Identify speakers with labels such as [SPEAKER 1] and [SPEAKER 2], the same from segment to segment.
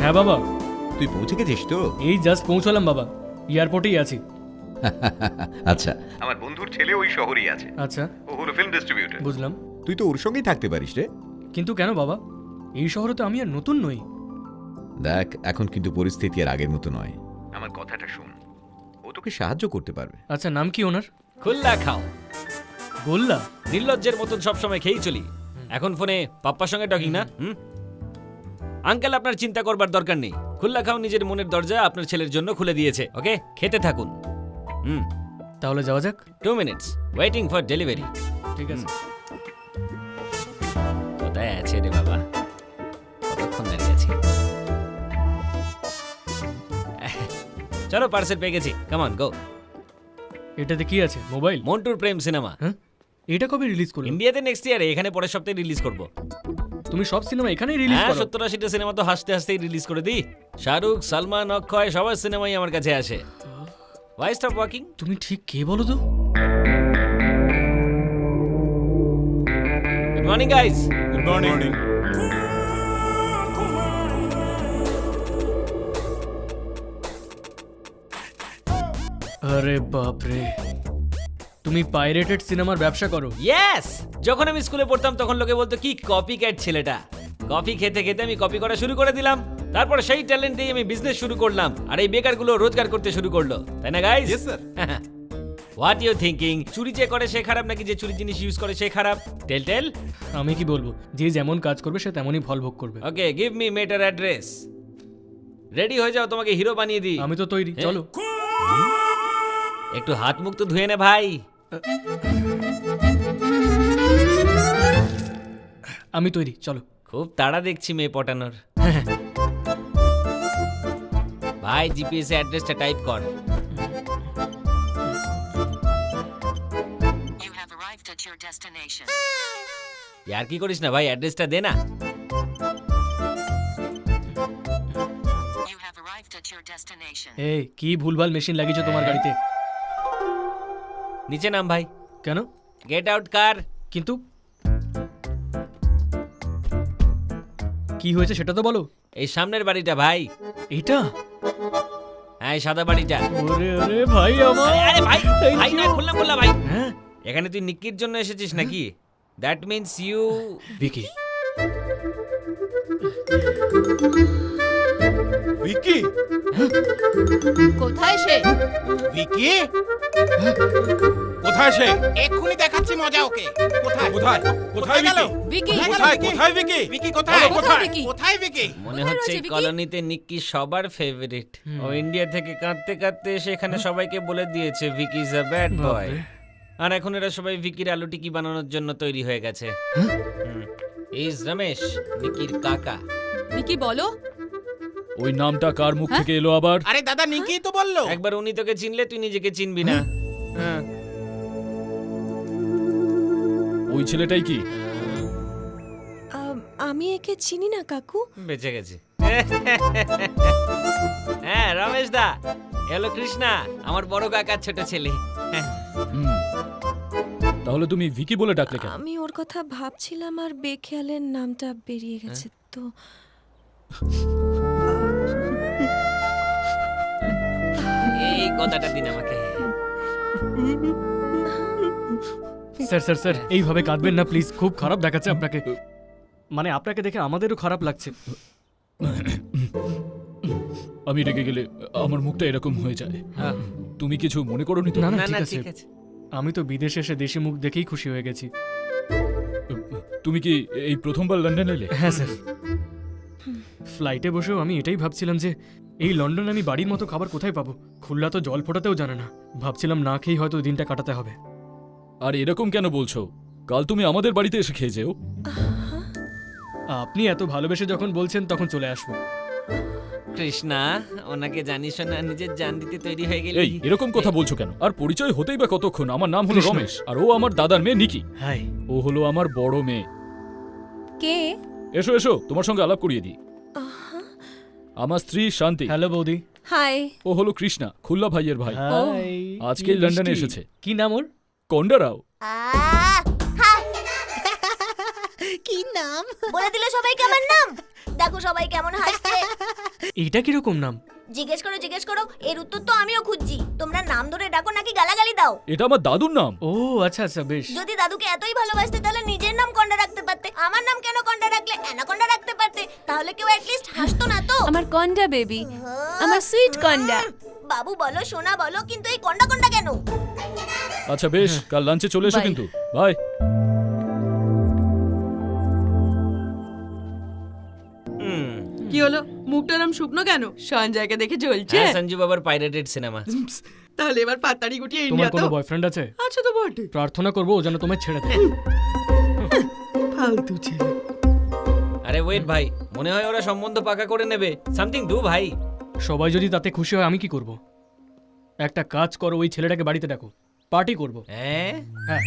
[SPEAKER 1] হ্যাঁ বাবা,
[SPEAKER 2] তুই পৌঁছে গেছিস তো?
[SPEAKER 1] এই জাস্ট পৌঁছলাম বাবা, এয়ারপোর্টেই আছি।
[SPEAKER 2] আচ্ছা, আমার বন্ধুর ছেলে ওই শহরেই আছে।
[SPEAKER 1] আচ্ছা,
[SPEAKER 2] ও হলো ফিল্ম ডিস্ট্রিবিউটর।
[SPEAKER 1] বুঝলাম।
[SPEAKER 2] তুই তো ওর সঙ্গেই থাকতে পারিস রে।
[SPEAKER 1] কিন্তু কেন বাবা, এই শহরে তো আমি আর নতুন নই।
[SPEAKER 2] দেখ, এখন কিন্তু পরিস্থিতি আর আগের মতো নয়। আমার কথাটা শোন, ও তোকে সাহায্য করতে পারবে।
[SPEAKER 1] আচ্ছা, নাম কি ওনার?
[SPEAKER 3] খুল্লা খাও।
[SPEAKER 1] গোল্লা?
[SPEAKER 3] নির্লজ্জের মতন সবসময় খেয়েই চলি। এখন ফোনে পাপ্পার সঙ্গে টকিং না? আঙ্কেল, আপনার চিন্তা করবার দরকার নেই। খুল্লা খাও নিজের মনের দরজা আপনার ছেলের জন্য খুলে দিয়েছে। ওকে, খেতে থাকুন।
[SPEAKER 1] তাহলে যাওয়া যাক।
[SPEAKER 3] 2 মিনিটস ওয়েটিং ফর ডেলিভারি।
[SPEAKER 1] ঠিক আছে।
[SPEAKER 3] কোথায় আছে রে বাবা? কতক্ষণ দাঁড়িয়ে আছি? চলো, পার্সেল পেয়ে গেছি। Come on, go.
[SPEAKER 1] এটাতে কি আছে? মোবাইল?
[SPEAKER 3] মন্টুর প্রেম সিনেমা।
[SPEAKER 1] হ্যাঁ, এটা কবে রিলিজ করবে?
[SPEAKER 3] ইন্ডিয়াতে নেক্সট ইয়ারে, এখানে পরের সপ্তাহে রিলিজ করব।
[SPEAKER 1] তুমি সব সিনেমা এখানেই রিলিজ
[SPEAKER 3] হ্যাঁ,
[SPEAKER 1] করো?
[SPEAKER 3] 70-80টা সিনেমা তো হাসতে হাসতেই রিলিজ করে দিই। শাহরুখ, সালমান, অক্ষয় সবার সিনেমাই আমার কাছে আসে। Why stop walking?
[SPEAKER 1] তুমি ঠিক কে বলো তো?
[SPEAKER 3] Good morning, guys.
[SPEAKER 4] Good morning.
[SPEAKER 1] আরে বাপ রে, তুমি পাইরেটেড সিনেমার ব্যবসা করো?
[SPEAKER 3] Yes! যখন আমি স্কুলে পড়তাম তখন লোকে বলতো কি কপি ক্যাট ছেলেটা। কফি খেতে খেতে আমি কপি করা শুরু করে দিলাম। তারপর সেই ট্যালেন্ট দিয়ে আমি বিজনেস শুরু করলাম, আর এই বেকারগুলো রোজগার করতে শুরু করলো, তাই না guys?
[SPEAKER 4] Yes, sir.
[SPEAKER 3] What you thinking? চুরি যে করে সে খারাপ নাকি যে চুরি জিনিস ইউজ করে সে খারাপ? টেল টেল।
[SPEAKER 1] আমি কি বলবো, যে যেমন কাজ করবে সে তেমনই ফল ভোগ করবে।
[SPEAKER 3] Okay, give me matter address. Ready হয়ে যাও, তোমাকে হিরো বানিয়ে দিই।
[SPEAKER 1] আমি তো তৈরি, চলো।
[SPEAKER 3] একটু হাত মুখ তো ধুয়ে নে ভাই।
[SPEAKER 1] আমি তৈরি, চলো।
[SPEAKER 3] খুব তাড়া দেখছি মেয়ে পটানোর।
[SPEAKER 1] হ্যাঁ,
[SPEAKER 3] ভাই, জিপিএস এ অ্যাড্রেসটা টাইপ কর।
[SPEAKER 5] You have arrived at your destination.
[SPEAKER 3] यार কি করিস না ভাই, অ্যাড্রেসটা দে না।
[SPEAKER 5] You have arrived at your destination.
[SPEAKER 1] এই কি ভুলভাল মেশিন লাগিয়েছো তোমার গাড়িতে?
[SPEAKER 3] নিচে নাম ভাই।
[SPEAKER 1] কেন?
[SPEAKER 3] গেট আউট কার।
[SPEAKER 1] কিন্তু কি হয়েছে সেটা তো বলো।
[SPEAKER 3] এই সামনের বাড়িটা ভাই।
[SPEAKER 1] এটা?
[SPEAKER 3] হ্যাঁ, এই সাদা বাড়িটা।
[SPEAKER 1] ওরে ওরে ভাই আমার।
[SPEAKER 3] আরে ভাই,
[SPEAKER 1] Thank
[SPEAKER 3] ভাই না,
[SPEAKER 1] you.
[SPEAKER 3] খুললাম ভাই।
[SPEAKER 1] হ্যাঁ,
[SPEAKER 3] এখানে তুই নিক্কির জন্য এসেছিস নাকি? That means you.
[SPEAKER 1] Vicky.
[SPEAKER 4] Vicky?
[SPEAKER 6] কোথায় সে?
[SPEAKER 4] ভিকি? কোথায় সে?
[SPEAKER 7] এক্ষুনি দেখাচ্ছি মজা ওকে। কোথায়
[SPEAKER 4] কোথায়? কোথায়
[SPEAKER 7] গেল?
[SPEAKER 4] ভিকি?
[SPEAKER 6] ভিকি
[SPEAKER 4] কোথায়? কোথায় ভিকি?
[SPEAKER 7] ভিকি কোথায়?
[SPEAKER 4] বলো, কোথায়?
[SPEAKER 6] ভিকি?
[SPEAKER 7] কোথায় ভিকি?
[SPEAKER 3] মনে হচ্ছে এই
[SPEAKER 6] রয়েছে, ভিকি?
[SPEAKER 3] কলোনিতে নিক্কি সবার ফেভারিট। ও ইন্ডিয়া থেকে কাঁদতে কাঁদতে সেখানে সবাইকে বলে দিয়েছে Vicky is a bad boy. আর এখন এরা সবাই ভিকির আলু টিকি বানানোর জন্য তৈরি হয়ে গেছে। ইজ রমেশ, নিকির কাকা।
[SPEAKER 6] ভিকি বলো।
[SPEAKER 8] ওই নামটা কার মুখ থেকে এলো আবার?
[SPEAKER 7] আরে দাদা নিকি তো বললো।
[SPEAKER 3] একবার উনি তোকে চিনলে তুই নিজেকে চিনবি না। হ্যাঁ।
[SPEAKER 8] ওই ছেলেটাই কি?
[SPEAKER 9] আমি একে চিনি না কাকু।
[SPEAKER 3] বেঁচে গেছে। হ্যাঁ, রমেশ দা, হ্যালো কৃষ্ণা, আমার বড় কাকার ছোট ছেলে।
[SPEAKER 8] হুম। তাহলে তুমি ভিকি বলে ডাকলে কেন?
[SPEAKER 9] আমি ওর কথা ভাবছিলাম আর বেখেয়ালের নামটা বেরিয়ে গেছে তো।
[SPEAKER 3] এই কথাটা দিন আমাকে।
[SPEAKER 1] স্যার স্যার স্যার, এইভাবে কাঁদবেন না প্লিজ, খুব খারাপ দেখাচ্ছে আপনাকে। মানে আপনাকে দেখে আমাদেরও খারাপ লাগছে।
[SPEAKER 8] আমি রেগে গেলে আমার মুখটা এরকম হয়ে যায়। তুমি কিছু মনে করোনি তো?
[SPEAKER 1] না না,
[SPEAKER 3] না না,
[SPEAKER 1] ঠিক
[SPEAKER 3] ঠিক
[SPEAKER 1] আছে।
[SPEAKER 3] আছে।
[SPEAKER 1] আমি তো বিদেশে এসে দেশি মুখ দেখেই খুশি হয়ে গেছি।
[SPEAKER 8] তুমি কি এই প্রথমবার লন্ডন এলে?
[SPEAKER 1] হ্যাঁ স্যার, ফ্লাইটে বসেও আমি এটাই ভাবছিলাম যে এই লন্ডনে আমি বাড়ির মতো খাবার কোথায় পাবো। খুলনা তো জল ফোটাতেও জানে না, ভাবছিলাম না খেয়েই হয়তো দিনটা কাটাতে হবে।
[SPEAKER 8] আর এরকম কেন বলছো? কাল তুমি আমাদের বাড়িতে এসে খেয়ে যেও।
[SPEAKER 1] আপনি এত ভালোবেসে যখন বলছেন তখন চলে আসবো।
[SPEAKER 3] কৃষ্ণা, ওনাকে জানিস না নিজের জান দিতে তৈরি হয়ে গেলি।
[SPEAKER 8] এই এরকম কথা বলছো কেন? আর পরিচয় হতেই বা কতক্ষণ? আমার নাম হলো
[SPEAKER 1] কৃষ্ণ।
[SPEAKER 8] রমেশ, আর ও আমার দাদার মেয়ে নিকি।
[SPEAKER 1] হাই।
[SPEAKER 8] ও হলো আমার বড় মেয়ে।
[SPEAKER 9] কে?
[SPEAKER 8] এসো এসো, তোমার সঙ্গে আলাপ করিয়ে দিই। আমার স্ত্রী শান্তি।
[SPEAKER 1] হ্যালো বৌদি।
[SPEAKER 9] হাই।
[SPEAKER 8] ও হলো কৃষ্ণা, খুল্লা ভাইয়ের ভাই।
[SPEAKER 1] হাই।
[SPEAKER 8] আজকেই
[SPEAKER 1] কি
[SPEAKER 8] লন্ডনে
[SPEAKER 1] মিষ্টি।
[SPEAKER 8] এসেছে।
[SPEAKER 1] কি নাম ওর?
[SPEAKER 8] কন্ডারাও।
[SPEAKER 6] কি নাম?
[SPEAKER 9] বলে দিল সবাইকে আমার নাম।
[SPEAKER 6] দেখো সবাই কেমন হাসছে।
[SPEAKER 1] এইটা কিরকম নাম?
[SPEAKER 6] জিজ্ঞেস করো এর উত্তর তো আমিও খুঁজছি। তোমরা নাম ধরে ডাকো নাকি গালাগালি দাও?
[SPEAKER 8] এটা আমার দাদুর নাম।
[SPEAKER 1] ও আচ্ছা আচ্ছা বেশ।
[SPEAKER 6] যদি দাদুকে এতই ভালোবাসতে তাহলে নিজের নাম কন্ডা রাখতে পারতে। আমার নাম কেন কন্ডা রাখলে? অ্যানাকন্ডা রাখতে পারতে, তাহলে কেউ অ্যাটলিস্ট হাসতো না তো।
[SPEAKER 9] আমার কন্ডা বেবি, আমার সুইট কন্ডা।
[SPEAKER 6] বাবু বলো, সোনা বলো, কিন্তু এই কন্ডা কন্ডা কেন?
[SPEAKER 8] আচ্ছা বেশ, কাল লাঞ্চে চলে এসো
[SPEAKER 9] Bye.
[SPEAKER 8] কিন্তু। বাই।
[SPEAKER 10] কি হলো, মুখটা নাম শুকনো কেন? সঞ্জয়কে দেখে জ্বলছে?
[SPEAKER 3] হ্যাঁ, সঞ্জু বাবার পাইরেটেড সিনেমা।
[SPEAKER 10] তাহলে এবার পাতাড়ি গুটিয়ে
[SPEAKER 1] তোমার
[SPEAKER 10] ইন্ডিয়া
[SPEAKER 1] কোনো
[SPEAKER 10] তো
[SPEAKER 1] বয়ফ্রেন্ড আছে?
[SPEAKER 10] আচ্ছা তো বটে,
[SPEAKER 1] প্রার্থনা করবো ও যেন তোমায় ছেড়ে দেয়।
[SPEAKER 10] ফালতু ছেলে।
[SPEAKER 3] আরে ওয়েট ভাই, মনে হয় ওরা সম্বন্ধ পাকা করে নেবে। সামথিং ডু ভাই।
[SPEAKER 1] সবাই যদি তাতে খুশি হয় আমি কি করব? একটা কাজ করো, ওই ছেলেটাকে বাড়িতে ডাকো, পার্টি করব।
[SPEAKER 3] হ্যাঁ,
[SPEAKER 1] হ্যাঁ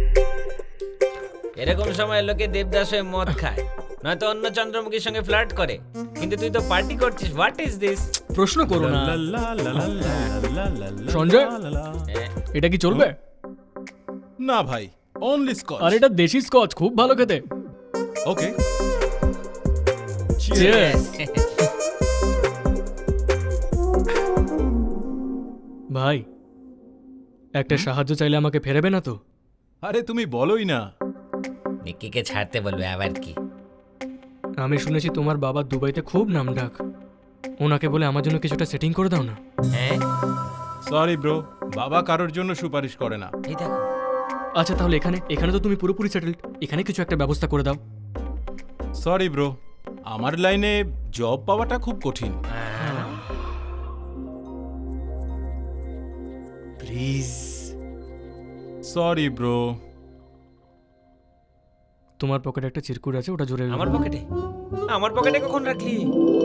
[SPEAKER 3] এরকম সময় লোকে দেবদাস হয়ে মদ খায়, নয়তো অন্য চন্দ্রমুখীর সঙ্গে ফ্লার্ট করে, কিন্তু তুই তো পার্টি করছিস। What is this?
[SPEAKER 1] প্রশ্ন করো না। সঞ্জয়, এটা কি চলবে?
[SPEAKER 4] না ভাই, অনলি স্কচ।
[SPEAKER 1] আর এটা দেশি স্কচ, খুব ভালো খেতে।
[SPEAKER 4] ওকে।
[SPEAKER 1] Cheers! ভাই, একটা সাহায্য চাইলে আমাকে ফেরাবে না তো?
[SPEAKER 4] আরে তুমি বলোই না।
[SPEAKER 3] নিকিকে ছাড়তে বলবে আবার কি?
[SPEAKER 1] আমি শুনেছি তোমার বাবা দুবাইতে খুব নামডাক। ওনাকে বলে আমার জন্য কিছুটা সেটিং করে দাও না।
[SPEAKER 3] হ্যাঁ,
[SPEAKER 4] সরি ব্রো, বাবা কারোর জন্য সুপারিশ করে না।
[SPEAKER 3] এই দেখো।
[SPEAKER 1] আচ্ছা তাহলে এখানে তো তুমি পুরোপুরি সেটেলড, এখানে কিছু একটা ব্যবস্থা করে দাও।
[SPEAKER 4] সরি ব্রো, আমার লাইনে জব পাওয়াটা খুব কঠিন।
[SPEAKER 1] প্লিজ।
[SPEAKER 4] Sorry bro.
[SPEAKER 1] তোমার পকেটে একটা চিরকুট আছে, ওটা জোরে
[SPEAKER 3] আমার পকেটে? আমার পকেটে কখন রাখলি?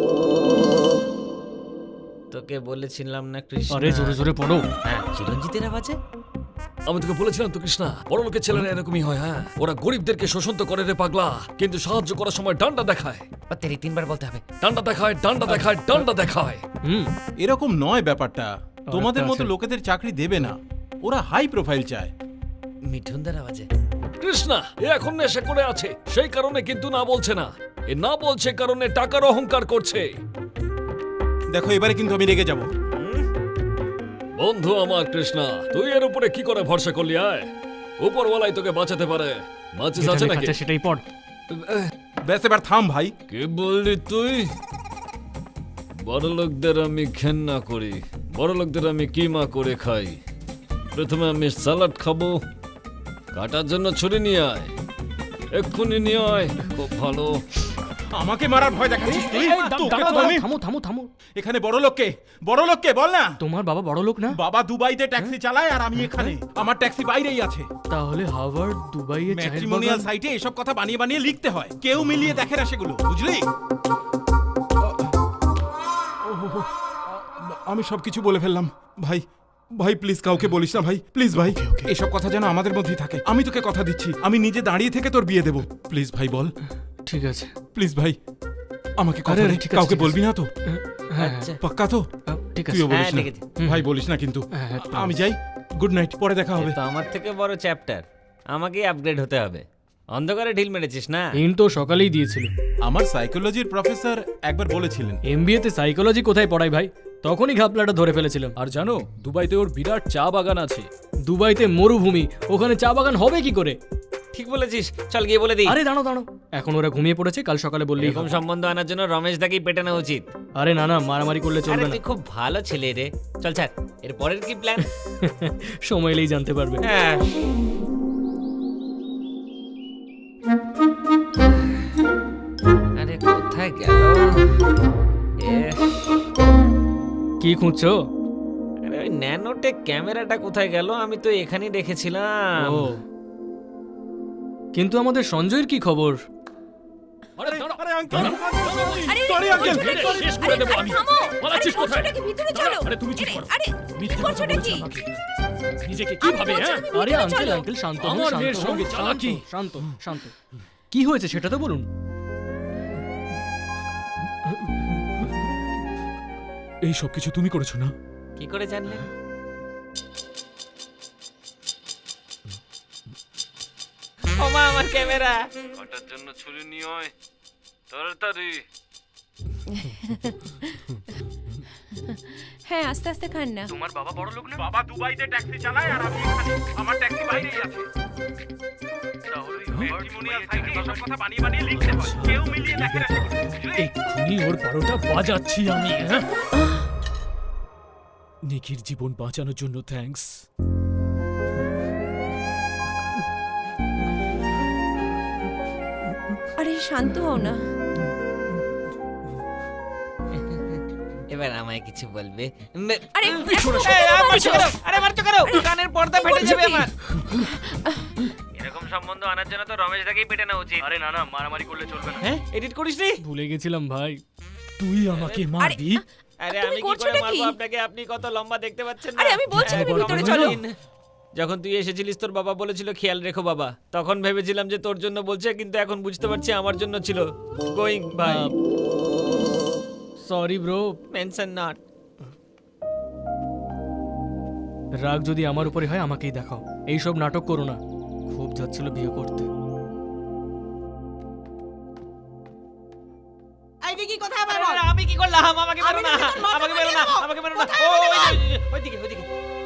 [SPEAKER 3] তোকে বলেছিলাম না কৃষ্ণ।
[SPEAKER 1] আরে জোরে জোরে পড়ো।
[SPEAKER 3] হ্যাঁ, চিরঞ্জিতের আওয়াজে।
[SPEAKER 8] আমি তোকে বলেছিলাম তো কৃষ্ণা, বড় লোকের ছেলেরা এরকমই হয়। হ্যাঁ, ওরা গরিবদেরকে শোষণ তো করে রে পাগলা, কিন্তু সাহায্য করার সময় ডান্ডা দেখায়।
[SPEAKER 3] তেরি তিনবার বলতে হবে।
[SPEAKER 8] ডান্ডা দেখায়, ডান্ডা দেখায়, ডান্ডা দেখায়।
[SPEAKER 4] এরকম নয় ব্যাপারটা। তোমাদের
[SPEAKER 1] একটা
[SPEAKER 4] মতো
[SPEAKER 1] আছে।
[SPEAKER 4] লোকেদের চাকরি দেবে না, ওরা হাই প্রোফাইল চায়।
[SPEAKER 3] মিঠুনদার আওয়াজে।
[SPEAKER 8] কৃষ্ণা, এ এখন নেশা করে আছে, সেই কারণে কিন্তু না বলছে না। এ না বলছে কারণে টাকার অহংকার করছে।
[SPEAKER 4] দেখো এবারে কিন্তু আমি রেগে যাব।
[SPEAKER 8] বন্ধু আমার কৃষ্ণা, তুই এর উপরে কি করে ভরসা করলি? আয়, উপরওয়ালাই তোকে বাঁচাতে পারে। মাচিস
[SPEAKER 1] যেটা
[SPEAKER 8] আছে
[SPEAKER 1] লেখা
[SPEAKER 8] নাকি?
[SPEAKER 1] আছে সেটাই পড়।
[SPEAKER 4] ব্যাস এবার থাম ভাই।
[SPEAKER 8] কি বললি তুই? বড় লোকদের আমি ঘেন্না করি, বড় লোকদের আমি কিমা করে খাই। প্রথমে আমি সালাড খাবো। কাটার জন্য ছুরি নিয়ে আয়, এক্ষুনি নিয়ে আয়। খুব ভালো।
[SPEAKER 4] আমাকে মারার ভয় দেখাচ্ছিস তুই? তোকে তো আমি-
[SPEAKER 1] থামো থামো থামো।
[SPEAKER 4] এখানে বড় লোককে বল না।
[SPEAKER 1] তোমার বাবা বড় লোক না?
[SPEAKER 4] বাবা দুবাইতে ট্যাক্সি চালায় আর আমি এখানে। আমার ট্যাক্সি বাইরেই আছে।
[SPEAKER 1] তাহলে হার্ভার্ড, দুবাইয়ে চায়ের
[SPEAKER 4] ম্যাট্রিমোনিয়াল
[SPEAKER 1] বাগান।
[SPEAKER 4] সাইটে এসব কথা বানিয়ে বানিয়ে লিখতে হয়, কেউ মিলিয়ে দেখে না সেগুলো, বুঝলি? আমি সবকিছু বলে ফেললাম ভাই। ভাই প্লিজ কাউকে বলিস না ভাই, প্লিজ ভাই। এসব কথা যেন আমাদের মধ্যেই থাকে। আমি তোকে কথা দিচ্ছি, আমি নিজে দাঁড়িয়ে থেকে তোর বিয়ে দেবো। প্লিজ ভাই বল,
[SPEAKER 1] ঠিক আছে।
[SPEAKER 4] প্লিজ ভাই। আমাকে কথা
[SPEAKER 1] আরে,
[SPEAKER 4] দে,
[SPEAKER 1] ঠিক আছে,
[SPEAKER 4] কাউকে
[SPEAKER 1] ঠিক আছে।
[SPEAKER 4] বলবি না তো?
[SPEAKER 1] হ্যাঁ
[SPEAKER 3] আচ্ছা।
[SPEAKER 4] পাক্কা তো?
[SPEAKER 1] ঠিক আছে।
[SPEAKER 4] তুইও বলিস
[SPEAKER 3] হ্যাঁ,
[SPEAKER 4] না
[SPEAKER 3] ঠিক আছে।
[SPEAKER 4] ভাই, বলিস না কিন্তু।
[SPEAKER 1] হ্যাঁ, হ্যাঁ,
[SPEAKER 4] আমি যাই, গুড নাইট, পরে দেখা হবে।
[SPEAKER 3] তো আমার থেকে বড় চ্যাপ্টার, আমাকেই আপগ্রেড হতে হবে। অন্ধকারে ঢিল মেরেছিস না?
[SPEAKER 1] ইন তো সকালেই দিয়েছিল।
[SPEAKER 4] আমার সাইকোলজির প্রফেসর একবার বলেছিলেন।
[SPEAKER 1] এমবিএ তে সাইকোলজি কোথায় পড়াই ভাই? তখনই ঘাপলাটা ধরে ফেলেছিলাম।
[SPEAKER 8] আর জানো, দুবাইতে ওর বিরাট চা বাগান আছে।
[SPEAKER 1] দুবাইতে মরুভূমি, ওখানে চা বাগান হবে কি করে?
[SPEAKER 3] ঠিক বলেছিস, চল গিয়ে বলে দিই।
[SPEAKER 1] আরে দাঁড়ো দাঁড়ো, এখন ওরা ঘুমিয়ে পড়েছে, কাল সকালে বললেই
[SPEAKER 3] এরকম
[SPEAKER 1] হবে।
[SPEAKER 3] সম্বন্ধ আনার জন্য রমেশ দাকেই পেটানো উচিত।
[SPEAKER 1] আরে না না, মারামারি করলে
[SPEAKER 3] আরে
[SPEAKER 1] চলবে না।
[SPEAKER 3] তুই খুব ভালো ছেলে রে। চল ছাড়, এর পরের কি প্ল্যান?
[SPEAKER 1] সময় এলেই জানতে পারবে।
[SPEAKER 3] হ্যাঁ। আরে কোথায় গেল?
[SPEAKER 1] কি খুঁজছো?
[SPEAKER 3] আরে ওই ন্যানোটেক ক্যামেরাটা কোথায় গেল? আমি তো এখানেই রেখেছিলাম।
[SPEAKER 1] ও, কিন্তু আমাদের সঞ্জয়ের কি খবর?
[SPEAKER 8] আরে দাঁড়াও,
[SPEAKER 4] আরে আঙ্কেল,
[SPEAKER 9] আরে,
[SPEAKER 4] সরি আঙ্কেল।
[SPEAKER 8] শেষ করে দেবো আমি।
[SPEAKER 9] থামো।
[SPEAKER 8] পালাচ্ছিস
[SPEAKER 9] আরে,
[SPEAKER 8] কোথায়?
[SPEAKER 9] করছোটা কি? ভিতরে চলো।
[SPEAKER 8] আরে তুমি চুপ করো।
[SPEAKER 9] আরে,
[SPEAKER 8] মিথ্যে
[SPEAKER 9] করছোটা
[SPEAKER 8] কথা বলছো
[SPEAKER 9] কি?
[SPEAKER 8] আমাকে। নিজেকে কি ভাবে? হ্যাঁ,
[SPEAKER 1] আরে
[SPEAKER 9] ভিতরে
[SPEAKER 1] আঙ্কেল
[SPEAKER 9] চলো।
[SPEAKER 1] আঙ্কেল শান্ত হন,
[SPEAKER 8] আমার
[SPEAKER 1] শান্ত
[SPEAKER 8] মেয়ের
[SPEAKER 1] হন,
[SPEAKER 8] সঙ্গে
[SPEAKER 1] শান্ত,
[SPEAKER 8] চালাকি।
[SPEAKER 1] শান্ত শান্ত। কি হয়েছে সেটা তো বলুন।
[SPEAKER 8] এই সব কিছু তুমি করেছো না?
[SPEAKER 3] কি করে জানলেন? ওমা, আমার ক্যামেরা। কাটার জন্য ছুরি নিয়ে আয় তাড়াতাড়ি।
[SPEAKER 9] হ্যাঁ আস্তে আস্তে খান না।
[SPEAKER 1] তোমার বাবা বড় লোক না?
[SPEAKER 4] বাবা দুবাইতে ট্যাক্সি চালায় আর আমি এখানে আমার ট্যাক্সি বাইরেই আছে টেস্টিমোনিয়াল সাইটে এসব কথা বানিয়ে বানিয়ে লিখতে হয় কেউ মিলিয়ে দেখে না
[SPEAKER 1] এক্ষুনি ওর 12টা বাজাচ্ছি আমি। হ্যাঁ নিকির জীবন বাঁচানোর জন্য থ্যাঙ্কস।
[SPEAKER 9] আরে শান্ত হও না।
[SPEAKER 3] এবার আমায় কিছু বলবে?
[SPEAKER 9] আরে
[SPEAKER 3] আরে মারছো কেন? কানের পর্দা ফেটে যাবে আমার। এরকম সম্বন্ধ আনার জন্য তো রমেশ দাকেই পেটে নেওয়া উচিত।
[SPEAKER 1] আরে না না, মারামারি করলে চলবে না।
[SPEAKER 3] হ্যাঁ এডিট করিসনি?
[SPEAKER 1] ভুলে গেছিলাম ভাই, তুই আমাকে মারবি।
[SPEAKER 3] আরে
[SPEAKER 9] তুমি
[SPEAKER 3] আমি কি
[SPEAKER 9] করছোটা
[SPEAKER 3] করে মারবো
[SPEAKER 9] কি?
[SPEAKER 3] আপনাকে? আপনি কত লম্বা দেখতে পাচ্ছেন না?
[SPEAKER 9] আরে আমি বলছি তুমি
[SPEAKER 1] একবার
[SPEAKER 9] ভিতরে
[SPEAKER 1] আমাকে
[SPEAKER 9] চলো।
[SPEAKER 1] বলো।
[SPEAKER 3] যখন তুই এসেছিলিস তোর বাবা বলেছিল খেয়াল রেখো বাবা, তখন ভেবেছিলাম যে তোর জন্য বলছে, কিন্তু এখন বুঝতে পারছি আমার জন্য ছিল। গোয়িং ভাই।
[SPEAKER 1] Sorry bro.
[SPEAKER 3] Mention not.
[SPEAKER 1] রাগ যদি আমার উপরে হয় আমাকেই দেখাও, এইসব নাটক করো না। খুব যাচ্ছিল বিয়ে করতে।
[SPEAKER 7] এই ভিকি কোথায় আমার বল?
[SPEAKER 3] আমি কি করলাম? আমাকে মেরো
[SPEAKER 7] আমি
[SPEAKER 3] না,
[SPEAKER 7] তোকে মারতে
[SPEAKER 3] আমাকে মেরো না,
[SPEAKER 7] পারি না।
[SPEAKER 3] আমাকে মেরো না।
[SPEAKER 7] কোথায়
[SPEAKER 3] ও
[SPEAKER 7] আমাকে বল?
[SPEAKER 3] ওইদিকে ওইদিকে।